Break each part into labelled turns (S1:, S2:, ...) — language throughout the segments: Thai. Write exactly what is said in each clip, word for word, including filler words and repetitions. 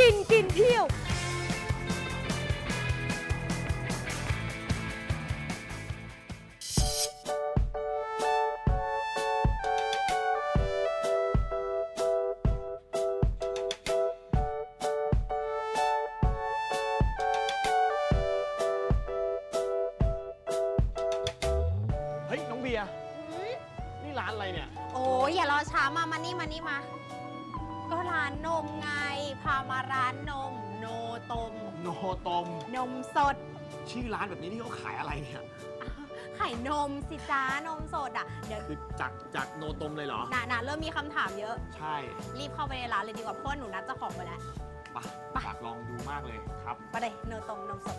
S1: กินกินเที่ยว
S2: เฮ้ยน้องเบียร์นี่ร้านอะไรเนี่ย
S1: โอ้ยอย่ารอช้ามามานี่มานี่มาก็ร้านนมไงพามาร้านนมโนตม
S2: โนตม
S1: นมสด
S2: ชื่อร้านแบบนี้ที่เขาขายอะไรเนี่ย
S1: ขายนมสิจ้านมสดอ่ะเดี๋ยว
S2: คือจากจากโนตมเลยเหรอ
S1: น่ะน่ะเริ่มมีคำถามเยอะ
S2: ใช่
S1: รีบเข้าไปในร้านเลยดีกว่าเพราะหนูนัดเจ้าของไปแล้ว
S2: ไปอยากลองดูมากเลยครับ
S1: ไปเลยโนตมนมสด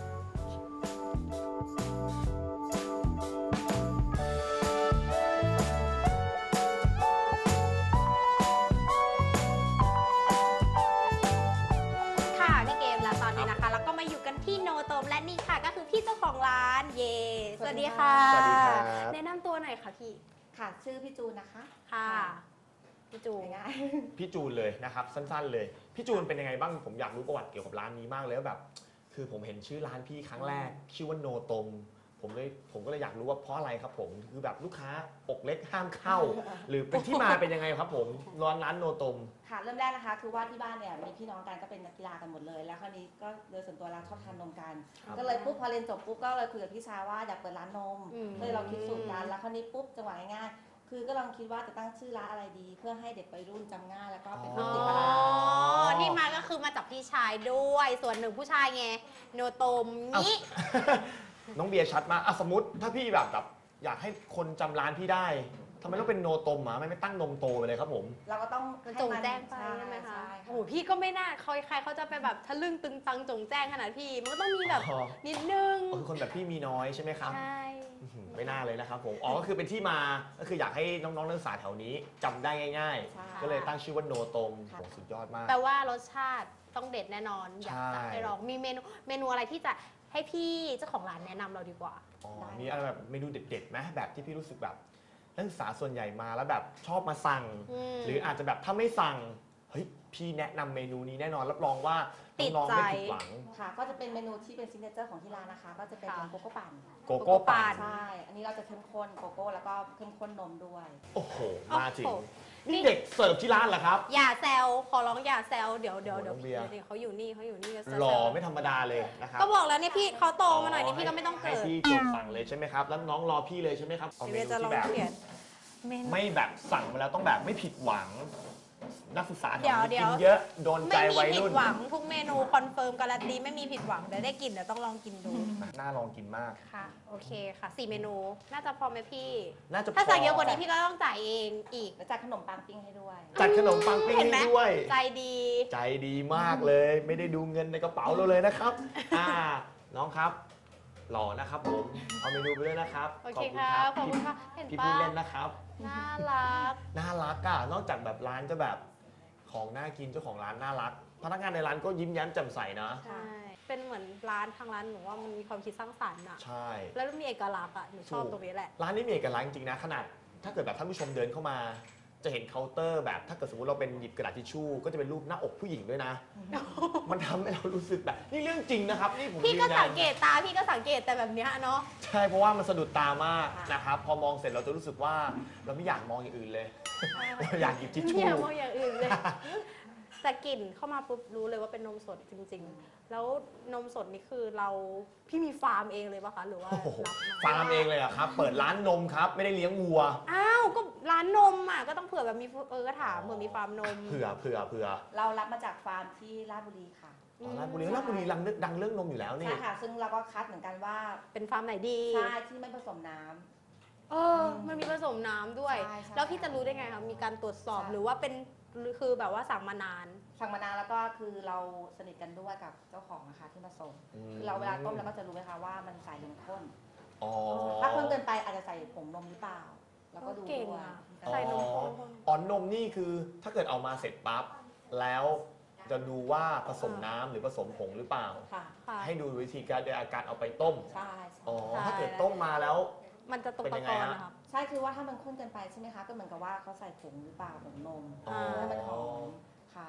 S1: ที่โนตมและนี่ค่ะก็คือพี่เจ้าของร้านเย่สวัสดีค่ะ
S2: สวัสดีครับ
S1: แนะนำตัวหน่อยค่ะพี่
S3: ค่ะชื่อพี่จูนนะคะ
S1: ค่ะพี่จูน
S2: พี่จูนเลยนะครับสั้นๆเลยพี่จูนเป็นยังไงบ้างผมอยากรู้ประวัติเกี่ยวกับร้านนี้มากเลยว่าแบบคือผมเห็นชื่อร้านพี่ครั้งแรกชื่อว่าโนตมผมเลยผมก็เลยอยากรู้ว่าเพราะอะไรครับผมคือแบบลูกค้าอกเล็กห้ามเข้าหรือเป็นที่มาเป็นยังไงครับผมร้านร้านโนตม
S3: ค่ะเริ่มแรกนะคะคือว่าที่บ้านเนี่ยมีพี่น้องกันก็เป็นนักกีฬากันหมดเลยแล้วคราวนี้ก็โดยส่วนตัวเราชอบทานนมกันก็เลยปุ๊บพอเรียนจบปุ๊บก็เลยคุยกับพี่ชายว่าอยากเปิดร้านนมเลยเราคิดสูตรกันแล้วคราวนี้ปุ๊บจังหวะง่ายๆคือก็ลองคิดว่าจะตั้งชื่อร้านอะไรดีเพื่อให้เด็กวัยรุ่นจำง่ายแล้วก็เป็นผู้ติดตลาด
S1: ที่มาก็คือมาจากพี่ชายด้วยส่วนหนึ่งผู้ชายไงโนตมนี้
S2: น้องเบียร์ชัดมากอ่ะสมมติถ้าพี่แบบแบบอยากให้คนจำร้านพี่ได้ทำไมต้องเป็นโนตมอ่ะไม่ไม่ตั้งนมโตไปเลยครับผม
S3: เราก็ต้อง
S1: จงแจ้งไปใช่ไหมคะโอ้พี่ก็ไม่น่าใครใครเขาจะไปแบบทะลึ่งตึงตังจงแจ้งขนาดพี่มันก็ต้องมีแบบนิดนึง
S2: คือคนแบบพี่มีน้อยใช่ไหมครับ
S1: ใช่
S2: ไม่น่าเลยนะครับผมอ๋อก็คือเป็นที่มาก็คืออยากให้น้องๆนักศึกษาแถวนี้จำได้ง่ายๆก็เลยตั้งชื่อว่าโนตมโอ้สุดยอดมาก
S1: แปลว่ารสชาติต้องเด็ดแน่นอนอยากจะให้ลองมีเมนูเมนูอะไรที่จะให้พี่เจ้าของร้านแนะนำเราดีกว่า
S2: อ๋อมีอะไรแบบเมนูเด็ดๆไหมแบบที่พี่รู้สึกแบบนักศึกษาส่วนใหญ่มาแล้วแบบชอบมาสั่งหรืออาจจะแบบถ้าไม่สั่งเฮ้ยพี่แนะนำเมนูนี้แน่นอนรับรองว่าน้องๆไม่ผิดหวัง
S3: ค่ะก็จะเป็นเมนูที่เป็นซิกเนเจอร์ของที่ร้านนะคะก็จะเป็นโกโก้ปั่น
S2: โกโก้ปั่น
S3: ใช่อันนี้เราจะเข้มข้นโกโก้แล้วก็เข้มข้นนมด้วย
S2: โอ้โหมาจริงนี่เด็กเสิร์ฟที่ร้านเหรอครับ
S1: อย่าแซวขอร้องอย่าแซวเดี๋ยวเดี๋ยวเดี๋ยวเขาอยู่นี่เขาอยู่นี่
S2: หล่อไม่ธรรมดาเลยนะครับ
S1: ก็บอกแล้วเนี่ยพี่เขาโตมาหน่อยนี่พี่ก็ไม่ต้องเกิด
S2: ให้พี่จดสั่งเลยใช่ไหมครับแล้วน้องรอพี่เลยใช่ไหมครับ
S1: เอาเมนูที่แบบ
S2: ไม่แบบสั่งมาแล้วต้องแบบไม่ผิดหวังนักศึกษาแถวนี้กินเยอะโดนใจวัยรุ่น
S1: ไม่มีผิดหวังทุกเมนูคอนเฟิร์มการันตีไม่มีผิดหวังเดี๋ยวได้กินเดี๋ยวต้องลองกินดู
S2: น่าลองกินมาก
S1: ค่ะโอเคค่ะสี่เมนูน่าจะพอไหมพี่
S2: น่าจะพอ
S1: ถ้าสั่งเยอะกว่านี้พี่ก็ต้องจ่ายเองอีก
S3: แล้วจัดขนมปังปิ้งให้ด้วย
S2: จัดขนมปังปิ้งให้ด้วย
S1: ใจดี
S2: ใจดีมากเลยไม่ได้ดูเงินในกระเป๋าเราเลยนะครับอ่าน้องครับหล่อนะครับผมเอาเมนูไปด้วยนะครับ
S1: โอเคครับขอบคุณค่ะ
S2: เห็นป้าพี่พูดเล่นนะครับ
S1: น่ารัก
S2: น่ารักอ่ะนอกจากแบบร้านจะแบบของน่ากินเจ้าของร้านน่ารักพนักงานในร้านก็ยิ้มแย้มแจ่มใสนะ
S1: ใช่เป็นเหมือนร้านทางร้านหนูว่ามันมีความคิดสร้างสรรค์อ่ะ
S2: ใช่
S1: แล้วมีเอกลักษณ์อ่ะหนูชอบตรงนี้แหละ
S2: ร้านนี้มีเอกลักษณ์จริงๆนะขนาดถ้าเกิดแบบท่านผู้ชมเดินเข้ามาจะเห็นเคาน์เตอร์แบบถ้าเกิดสมมติเราเป็นหยิบกระดาษทิชชู่ก็จะเป็นรูปหน้าอกผู้หญิงด้วยนะมันทำให้เรารู้สึกแบบนี่เรื่องจริงนะครับนี่ผม
S1: พี่ก็สังเกตตาพี่ก็สังเกตแต่แบบนี้เนาะ
S2: ใช่เพราะว่ามันสะดุดตามากนะครับพอมองเสร็จเราจะรู้สึกว่าเราไม่อยากมองอย่างอื่นเลยเราอยากหยิบทิชชู่
S1: ไม่อยากมองอย่างอื่นเลยแต่กลิ่นเข้ามาปุ๊บรู้เลยว่าเป็นนมสดจริงๆแล้วนมสดนี่คือเราพี่มีฟาร์มเองเลยป่ะคะหรือว่า
S2: ฟาร์มเองเลยอะครับเปิดร้านนมครับไม่ได้เลี้ยงวัว
S1: อ้าวก็ร้านนมอ่ะก็ต้องเผื่อแบบมีเออก็ถามเผื่อมีฟาร์มนม
S2: เผื่อเผื่อเผื่อ
S3: เรารับมาจากฟาร์มที่ราชบุรีค่ะ
S2: ราชบุรีราชบุรีดังดังเรื่องนมอยู่แล้วนี่
S3: ใช่ค่ะซึ่งเราก็คัดเหมือนกันว่า
S1: เป็นฟาร์มไหนดี
S3: ใช่ที่ไม่ผสมน้ำ
S1: เออมันมีผสมน้ำด้วยแล้วพี่จะรู้ได้ไงคะมีการตรวจสอบหรือว่าเป็นคือแบบว่าสั่งมานาน
S3: สั่งมานานแล้วก็คือเราสนิทกันด้วยกับเจ้าของนะคะที่มาส่งคือเราเวลาต้มเราก็จะรู้ไหมคะว่ามันใส่นมข้นถ้าข้นเกินไปอาจจะใส่ผงนมหรือเปล่าแล้วก็ดูด้วย
S1: ใส่นมข้น
S2: อ๋อนมนี่คือถ้าเกิดเอามาเสร็จปั๊บแล้วจะดูว่าผสมน้ำหรือผสมผงหรือเปล่าให้ดูวิธีการโดยอาการเอาไปต้ม
S3: ใช่
S2: อ๋อถ้าเกิดต้มมาแล้ว
S1: มันจะตกตะกอนนะคะ
S3: ใช่คือว่าถ้ามันข้นเกินไปใช่ไหมคะก็เหมือนกับว่าเขาใส่ผงหรือเปล่าผงนมให้มันหอมค่ะถ้า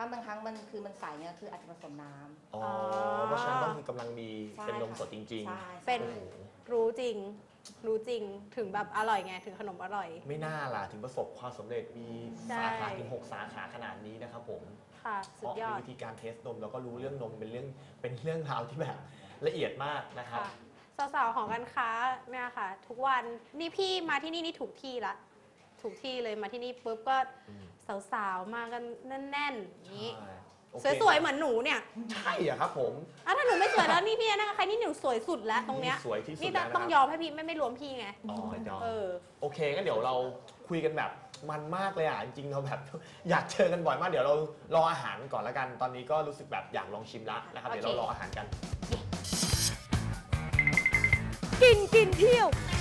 S3: าบางครั้งมันคือมันใสเนี่ยคืออาจจะผสมน้ำ
S2: อ๋อเพราะฉะนั้นก็คือกำลังดี
S3: ใช่
S2: เป็นนมสดจริง
S3: ใช่
S1: เป็น
S2: โอ้โห
S1: รู้จริง รู้จริงถึงแบบอร่อยไงถึงขนมอร่อย
S2: ไม่น่าล่ะถึงประสบความสำเร็จมี
S1: ใช่
S2: สาขาถึงหกสาขาขนาดนี้นะครับผม
S1: ค่ะ
S2: เพ
S1: สุด
S2: ราะ
S1: ยอ
S2: มี
S1: ด
S2: วิธีการเทสนมแล้วก็รู้เรื่องนมเป็นเรื่องเป็นเรื่องราวที่แบบละเอียดมากนะครับ
S1: ค่ะสาวๆของการค้าเนี่ยค่ะ ทุกวันนี่พี่มาที่นี่นี่ถูกที่ละถูกที่เลยมาที่นี่ปุ๊บก็
S2: อืม
S1: สาวๆมากันแน่นๆอย่างนี้
S2: ใช่โอเค
S1: สวยๆเหมือนหนูเนี่ย
S2: ใช่อะครับผม
S1: อ่ะถ้าหนูไม่สวยแล้วนี่พี่นะคะใครนี่หนูสวยสุดแล้วตรงเนี้ย
S2: สวยที่สุด
S1: นี่
S2: แล้วนะ
S1: ต้อง
S2: ค
S1: ย
S2: รับ
S1: อมให้พี่ไม่ไม่รวมพี่ไง
S2: อ๋อยอม
S1: เออ
S2: โอเคงั้นเดี๋ยวเราคุยกันแบบมันมากเลยอ่ะจริงๆเราแบบ อยากเจอกันบ่อยมากเดี๋ยวเรารออาหารก่อนละกันตอนนี้ก็รู้สึกแบบอยากลองชิมละนะครับ
S1: โอเค
S2: เดี๋ยวเรารออาหารกัน
S4: กินกินเที่ยว